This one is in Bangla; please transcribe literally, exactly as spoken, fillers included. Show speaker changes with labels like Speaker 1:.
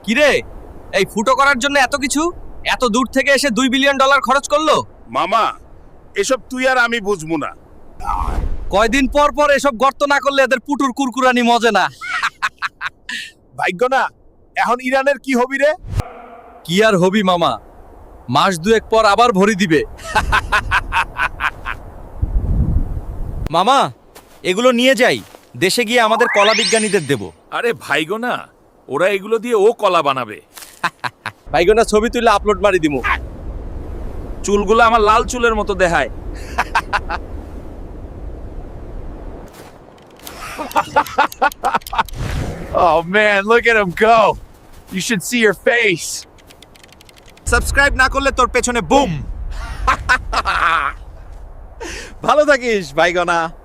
Speaker 1: কিরে, এই ফুটো করার জন্য এত কিছু, এত দূর থেকে এসে দুই বিলিয়ন ডলার খরচ করলো?
Speaker 2: মামা, এসব তুই আর আমি বুঝবো না।
Speaker 1: কয়দিন পর পর এসব গর্ত না করলে এদের পুটুর কুরকুরানি মজে না।
Speaker 2: ভাগ্য না, এখন ইরানের কি হবি রে?
Speaker 1: কি আর হবি মামা, মাস দুয়েক পর আবার ভরি দিবে। মামা, এগুলো নিয়ে যাই, দেশে গিয়ে আমাদের কলা বিজ্ঞানীদের দেব।
Speaker 2: আরে ভাইগো না, ওরা এগুলো দিয়ে ও কলা বানাবে।
Speaker 1: ভাইগোনা ছবি তুলে আপলোড মারি দিমু।
Speaker 2: চুলগুলো আমার লাল চুলের মতো দেখায়।
Speaker 3: Oh man, look at him go. You should see your face.
Speaker 1: Subscribe না করলে তোর পেছনে বুম। ভালো থাকিস ভাইগোনা।